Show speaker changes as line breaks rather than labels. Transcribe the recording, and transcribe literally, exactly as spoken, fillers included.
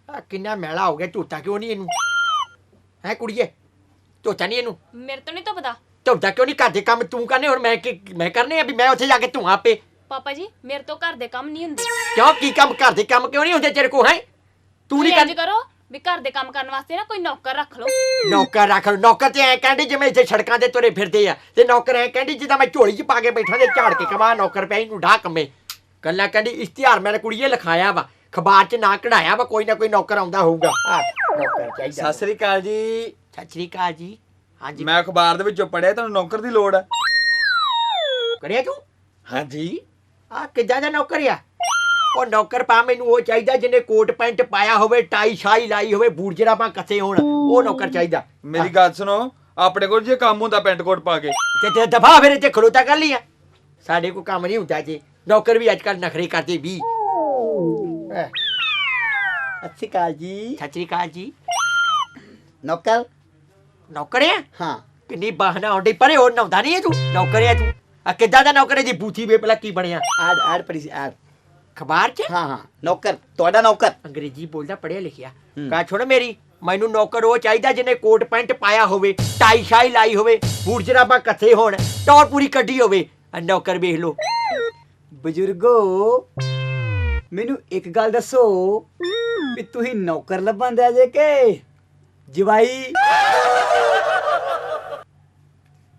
ਕਿੰਨਾ ਮੈਲਾ ਹੋ ਗਿਆ, ਧੋਤਾ ਕਿਉਂ ਨਹੀਂ ਇਹਨੂੰ? ਹੈ ਕੁੜੀਏ, ਧੋਤਾ ਨਹੀਂ ਇਹਨੂੰ?
ਮੇਰੇ ਤੋਂ ਨਹੀਂ ਤਾਂ ਪਤਾ।
ਧੋਤਾ ਕਿਉਂ ਨਹੀਂ? ਘਰ ਦੇ ਕੰਮ ਤੂੰ ਕਰਨੇ, ਹੁਣ ਮੈਂ ਕੀ ਮੈਂ ਕਰਨੇ ਆ ਵੀ ਮੈਂ ਉੱਥੇ ਜਾ ਕੇ ਧੂਆਂ ਆਪੇ?
ਪਾਪਾ ਜੀ ਮੇਰੇ ਤੋਂ ਘਰ ਦੇ ਕੰਮ ਨਹੀਂ ਹੁੰਦੇ।
ਕਿਉਂ? ਕੀ ਕੰਮ? ਘਰ ਦੇ ਕੰਮ ਕਿਉਂ ਨਹੀਂ ਹੁੰਦੇ ਤੇਰੇ ਕੋਲ? ਹੈ ਤੂੰ ਨਹੀਂ
ਇੰਜ
ਕਰ?
ਕਰੋ ਵੀ ਘਰ ਦੇ ਕੰਮ ਕਰਨ ਵਾਸਤੇ ਨਾ ਕੋਈ ਨੌਕਰ ਰੱਖ ਲਓ।
ਨੌਕਰ ਰੱਖ ਲਓ? ਨੌਕਰ ਤੇ ਐ ਕਹਿੰਦੇ ਜਿਵੇਂ ਇੱਥੇ ਸੜਕਾਂ ਤੇ ਤੁਰੇ ਫਿਰਦੇ ਆ, ਤੇ ਨੌਕਰ ਐ ਕਹਿੰਦੀ ਜਿੱਦਾਂ ਮੈਂ ਝੋਲੀ 'ਚ ਪਾ ਕੇ ਬੈਠਾ ਤੇ ਝਾੜ ਕੇ ਕਮਾ ਨੌਕਰ ਪਿਆ ਇਹਨੂੰ ਢਾ ਕੰਮੇ। ਗੱਲਾਂ ਕਹਿੰਦੀ ਇਸ਼ਤਿਹਾਰ ਮੇਰੇ ਕੁੜੀਏ ਲਿਖਾਇਆ ਵਾ, ਅਖਬਾਰ 'ਚ ਨਾ ਕਢਾਇਆ ਵਾ, ਕੋਈ ਨਾ ਕੋਈ ਨੌਕਰ ਆਉਂਦਾ ਹੋਊਗਾ। ਆ ਨੌਕਰ ਚਾਹੀਦਾ।
ਸਤਿ ਸ੍ਰੀ ਅਕਾਲ ਜੀ।
ਸਤਿ ਸ੍ਰੀ ਅਕਾਲ ਜੀ। ਹਾਂਜੀ
ਮੈਂ ਅਖਬਾਰ ਦੇ ਵਿੱਚੋਂ ਪੜਿਆ ਤੁਹਾਨੂੰ ਨੌਕਰ ਦੀ ਲੋੜ ਹੈ।
ਕਰਿਆ ਤੂੰ?
ਹਾਂਜੀ।
ਆ ਕਿੱਦਾਂ ਦਾ ਨੌਕਰ ਆ? ਉਹ ਨੌਕਰ ਪਾ ਮੈਨੂੰ ਉਹ ਚਾਹੀਦਾ ਜਿਹਨੇ ਕੋਟ ਪੈਂਟ ਪਾਇਆ ਹੋਵੇ, ਟਾਈ ਸ਼ਾਈ ਲਾਈ ਹੋਵੇ, ਬੂਟ ਜਰਾਬਾਂ ਕੱਸੇ ਹੋਣ, ਉਹ ਨੌਕਰ ਚਾਹੀਦਾ।
ਮੇਰੀ ਗੱਲ ਸੁਣੋ, ਆਪਣੇ ਕੋਲ ਜੇ ਕੰਮ ਹੁੰਦਾ ਪੈਂਟ ਕੋਟ ਪਾ ਕੇ
ਤੇ ਤੇ ਦਫਾ ਫਿਰ ਇੱਥੇ ਖਲੋਤਾ ਕਰ ਲਿਆ। ਸਾਡੇ ਕੋਲ ਕੰਮ ਨਹੀਂ ਹੁੰਦਾ ਜੀ। ਨੌਕਰ ਵੀ ਅੱਜ ਕੱਲ੍ਹ ਨਖਰੇ ਕਰਦੇ ਵੀ।
ਸਤਿ ਸ਼੍ਰੀ ਅਕਾਲ ਜੀ।
ਸਤਿ ਸ੍ਰੀ ਅਕਾਲ ਜੀ।
ਨੌਕਰ?
ਨੌਕਰ ਆ?
ਹਾਂ।
ਕਿੰਨੀ ਬਾਹਨਾ ਹੁੰਦੀ, ਪਰੇ ਹੋਰ ਨਹਾਉਂਦਾ ਨਹੀਂ ਹੈ ਤੂੰ? ਨੌਕਰ ਆ ਤੂੰ? ਆ ਕਿੱਦਾਂ ਦਾ ਨੌਕਰ ਹੈ ਜੀ? ਬੂਥੀ ਵੇ ਪਹਿਲਾਂ ਕੀ ਬਣਿਆ?
ਐਡ ਐਡ ਪੜੀ ਸੀ ਐਡ।
ਅਖਬਾਰ 'ਚ?
ਹਾਂ ਹਾਂ ਨੌਕਰ, ਤੁਹਾਡਾ ਨੌਕਰ।
ਅੰਗਰੇਜ਼ੀ ਬੋਲਦਾ, ਪੜਿਆ ਲਿਖਿਆ।
ਹੂੰ।
ਕਾ ਛੋੜ ਮੇਰੀ, ਮੈਨੂੰ ਨੌਕਰ ਉਹ ਚਾਹੀਦਾ ਜਿਹਨੇ ਕੋਟ ਪੈਂਟ ਪਾਇਆ ਹੋਵੇ, ਟਾਈ ਸ਼ਾਈ ਲਾਈ ਹੋਵੇ, ਬੂਟ ਜਰਾਬਾਂ ਕੱਸੇ ਹੋਣ, ਟੌਰ ਪੂਰੀ ਕੱਢੀ ਹੋਵੇ। ਆ ਨੌਕਰ ਵੇਖ ਲੋ।
ਬਜ਼ੁਰਗੋ, ਮੈਨੂੰ ਇੱਕ ਗੱਲ ਦੱਸੋ ਵੀ ਤੁਸੀਂ ਨੌਕਰ ਲੱਭਣ ਦੇ ਜੇ ਕਿ ਜਵਾਈ?